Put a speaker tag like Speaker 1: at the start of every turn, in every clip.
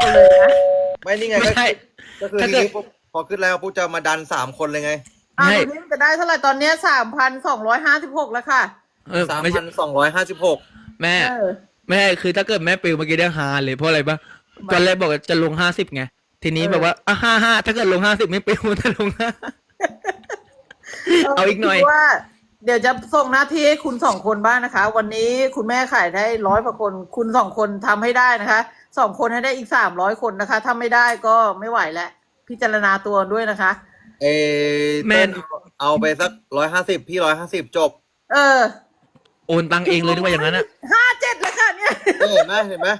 Speaker 1: กันเลยนะ
Speaker 2: ไม่นี่ไง
Speaker 3: ไม่ใช่
Speaker 2: ก็คือ
Speaker 3: ถ้า
Speaker 2: ที
Speaker 3: เกิด
Speaker 2: นี้พอขึ้นแล้วปุ๊บจะมาดัน3 คนเลยไง
Speaker 1: อ่า
Speaker 3: ไม่
Speaker 1: ตอนนี้มันจะได้เท่าไหร่ตอนเนี้ย3,256แล้วค่ะ
Speaker 3: ไม่ใช่
Speaker 2: 3,256
Speaker 3: แม่
Speaker 1: เออ
Speaker 3: ไม่ใช่คือถ้าเกิดแม่ปิวเมื่อกี้ได้ฮาเลยเพราะอะไรปะตอนแรกบอกว่าจะลง50ไงทีนี้แบบว่า55ถ้าเกิดลง50ไม่ปิวจะลง5เอาอีกหน่อย
Speaker 1: คิดว่าเดี๋ยวจะส่งหน้าที่ให้คุณ2 คนบ้างนะคะ วันนี้คุณแม่ขายได้100 กว่าคน คุณ2 คนทำให้ได้นะคะ2 คนให้ได้อีก300 คนนะคะถ้าไม่ได้ก็ไม่ไหวแล้วพิจารณาตัวด้วยนะคะ
Speaker 3: แม่
Speaker 2: เต้นเอาไปสัก150พี่150จบ
Speaker 1: เออ
Speaker 3: โอนตังเองเลยนึกว่าอย่างนั้นอะ
Speaker 1: 57แล้วค่ะเนี่ย
Speaker 2: เห็นไหมเห็นไหม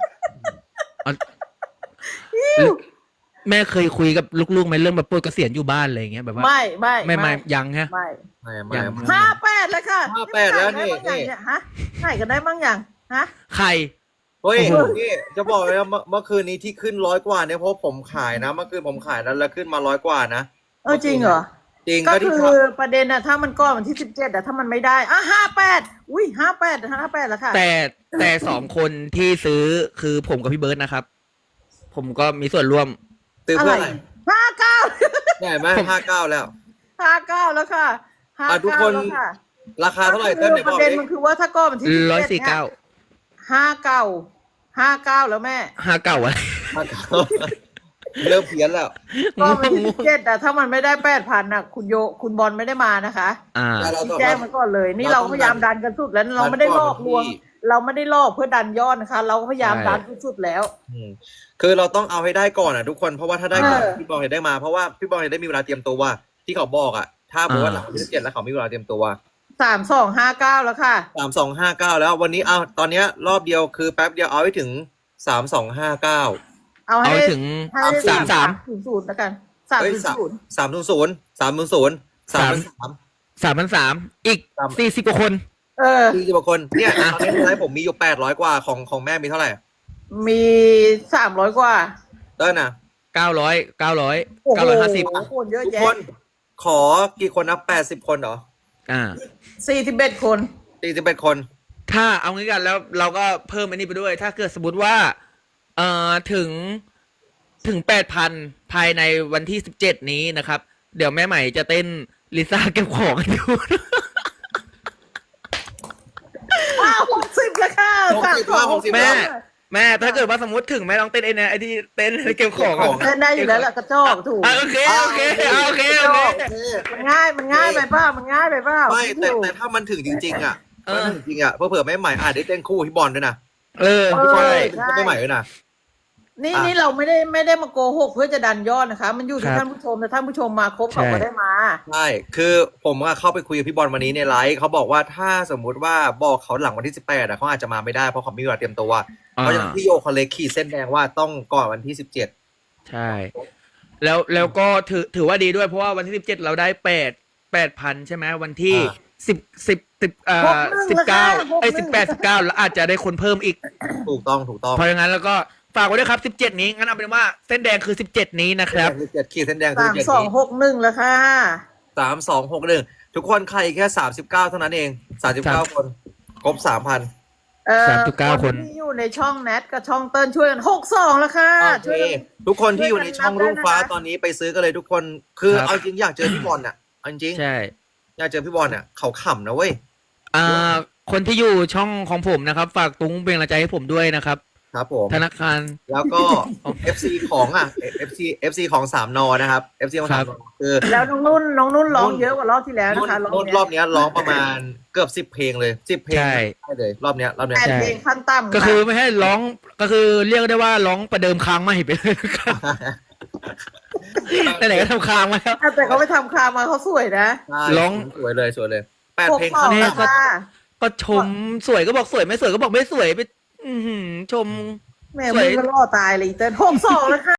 Speaker 3: แม่เคยคุยกับลูกๆไหมเรื่องแบบปลดเกษียณอยู่บ้านอะไรอย่างเงี้ยแบบว่า
Speaker 1: ไม่
Speaker 3: ยังฮะ
Speaker 1: ไม่
Speaker 2: ไม่
Speaker 3: ยัง
Speaker 1: 58แล้วค่ะ
Speaker 2: 58แล้วนี่
Speaker 1: ฮะไหนกันได้บ้างอย่างฮะ
Speaker 3: ใคร
Speaker 2: เฮ้ย
Speaker 3: โอ้โห
Speaker 2: นี่จะบอกเลยนะเมื่อคืนนี้ที่ขึ้น100 กว่าเนี่ยเพราะผมขายนะเมื่อคืนผมขายแล้วขึ้นมา100 กว่านะ
Speaker 1: จริงเหรอ
Speaker 2: จริง
Speaker 1: ก็
Speaker 2: ก็ที่
Speaker 1: คือประเด็นอะถ้ามันก้อนวันที่17อะถ้ามันไม่ได้58อุ้ย58แล้วค่ะ
Speaker 3: แต่2 คนที่ซื้อคือผมกับพี่เบิร์ดนะครับ ผมก็มีส่วนร่วม
Speaker 2: ซื้อเพื่ออะไร
Speaker 1: 59
Speaker 2: เนี่ยเห็นไหม59แล้ว
Speaker 1: 59แล้วค่ะ
Speaker 2: ทุกคน
Speaker 1: แล้วค่ะ
Speaker 2: ราคาเท่าไหร่เต้นไหน
Speaker 1: ป
Speaker 2: บอก
Speaker 1: ระเด็น
Speaker 2: ดิ
Speaker 1: มันคือว่าถ้าก้อนวันที่17เนี่ย
Speaker 3: 149
Speaker 1: 59แล้วแม่
Speaker 3: 59อะไร
Speaker 2: เริ่มเพี้ยนแล้ว
Speaker 1: ก้อนวันที่17อะถ้ามันไม่ได้8,000อะคุณบอลไม่ได้มานะคะ
Speaker 3: อ่า
Speaker 1: แจ้งมันก่อนเลย นี่เราพยายามดันกันสุดแล้วเราไม่ได้ลอกลวง เราไม่ได้ลอกเพื่อดันยอดนะคะ เราก็พยายามดันสุดๆแล้ว
Speaker 2: คือเราต้องเอาให้ได้ก่อนอ่ะทุกคนเพราะว่าถ้าได้ก่อน
Speaker 1: เออ
Speaker 2: พี่บอลเห็นได้มาเพราะว่าพี่บอลเห็นได้มีเวลาเตรียมตัวว่าที่เขาบอกอ่ะถ้าบอกว่าหลังวันที่17แล้วเขามีเวลาเตรียมตัว
Speaker 1: 3259แล้วค่ะ
Speaker 2: 3259แล้ววันนี้เอาตอนเนี้ยรอบเดียวคือแป๊บเดียวเอาให้ถึง3259
Speaker 1: เอา
Speaker 3: เอา
Speaker 1: ให้
Speaker 3: ไปถึง
Speaker 1: ให้ได้
Speaker 3: 33
Speaker 1: แล้วกัน
Speaker 2: เฮ้ย
Speaker 1: 300
Speaker 3: 3,300อีก40 กว่าคน
Speaker 2: 40 กว่าคนเนี่ยตอนนี้ไลฟ์ผมมีอยู่800 กว่าของแม่มีเท่าไหร่
Speaker 1: มี300 กว่า
Speaker 2: เต้นอ่ะ
Speaker 3: 900
Speaker 1: โอ้โห
Speaker 3: 950
Speaker 1: คนเยอะ
Speaker 2: ทุก
Speaker 1: แยะ
Speaker 2: คนขอกี่คนนะ80 คนเหรอ
Speaker 1: 41 คน
Speaker 2: 41 คน
Speaker 3: ถ้าเอางี้กันแล้วเราก็เพิ่มอันนี้ไปด้วย ถ้าเกิดสมมติว่าถึง 8,000 ภายในวันที่17นี้นะครับ เดี๋ยวแม่ใหม่จะเต้นลิซ่าเก็บของให้ดู
Speaker 1: 60แล้วค่ะ
Speaker 2: 60
Speaker 3: แม่ถ้าเกิดว่าสมมติถึงแม่ลองเต้นไอ้เนี่ยไอ้ที่เต้นเก็บของอะ
Speaker 1: เล่นได้อยู่แล้วล่ะกระจอกถูก
Speaker 3: โอเค
Speaker 1: มันง่ายไปเปล่ามันง่ายไปเปล่า
Speaker 2: ไม่แต่ถ้ามันถึงจริงๆอ่ะมันถึงจริงอ่ะเผื่อแม่ใหม่อาจได้เต้นคู่พี่บอลด้วยนะ
Speaker 3: ใช่
Speaker 2: แม่ใหม่ด้วยนะ
Speaker 1: นี่เราไม่ได้มาโกหกเพื่อจะดันยอดนะคะ มันอยู่ที่ท่านผู้ชมแต่ท่านผู้ชมมาครบเขาก็ได้มา
Speaker 2: ใช่คือผมเข้าไปคุยกับพี่บอลวันนี้ในไลฟ์เขาบอกว่าถ้าสมมุติว่าบอกเขาหลังวันที่18อ่ะเขาอาจจะมาไม่ได้เพราะเขามีเวลาเตรียมตัวเพราะฉะนั้นพี่โยเขาเลยขีดเส้นแดงว่าต้องก่อนวันที่17
Speaker 3: ใช่แล้วก็ถือว่าดีด้วยเพราะว่าวันที่17เราได้8,000ใช่ไหมวันที่19แล้วอาจจะได้คนเพิ่มอีก
Speaker 2: ถูกต้อง
Speaker 3: เพราะงั้นแล้วก็ฝากไว้ด้วยครับ17นี้งั้นเอาเป็นว่าเส้นแดงคือ17นี้นะครับ
Speaker 2: 17ขีดเส้นแดงคือ17
Speaker 1: 3261แล้วค่ะ
Speaker 2: 3261ทุกคนใครแค่39เท่านั้นเอง39คนครบ 3,000
Speaker 3: 39 คน
Speaker 1: ที่อยู่ในช่องแนทกับช่องเติ้ลช่วยกัน62แล้วค่ะ
Speaker 2: โอเคทุกคนที่อยู่ในช่องรุ่งฟ้าตอนนี้ไปซื้อกันเลยทุกคนคือเอาจริงอยากเจอพี่บอลอ่ะเอาจริง
Speaker 3: ใช่
Speaker 2: อยากเจอพี่บอลอ่ะเขาขำนะเว้ย
Speaker 3: คนที่อยู่ช่องของผมนะครับ ฝากตุ้งเป็นกำลังใจให้ผมด้วยนะครับ
Speaker 2: ครับผม
Speaker 3: ธนาคาร
Speaker 2: แล้วก็ FC ของFC ของ3 นอนะครับ FC ของ3 นอคือ
Speaker 1: แล้วน้องนุ่นร้องเยอะกว่ารอบที่แล้วนะคะ
Speaker 2: รอบนี้ร้องประมาณเกือบ10 เพลงเลย10 เพลงได้เลยรอบเนี้ย
Speaker 1: 8 เพลงขั้นต่ำ
Speaker 3: ก็คือไม่ให้ร้องก็คือเรียกได้ว่าร้องประเดิมค้างใหม่ไปเลยครับไหนๆก็ทำค้างมาแล้ว
Speaker 1: แต่เขาไปทำคามาเขาสวยนะ
Speaker 2: ร้องสวยเลย8 เพลงขั้น
Speaker 1: 62
Speaker 2: ต่ำ
Speaker 1: ค่ะ
Speaker 3: ก็ชมสวยก็บอกสวยไม่สวยก็บอกไม่สวยไปชม
Speaker 1: แม่มึงก็ล่อตายเลยเติ้ล62แล้วค่ะ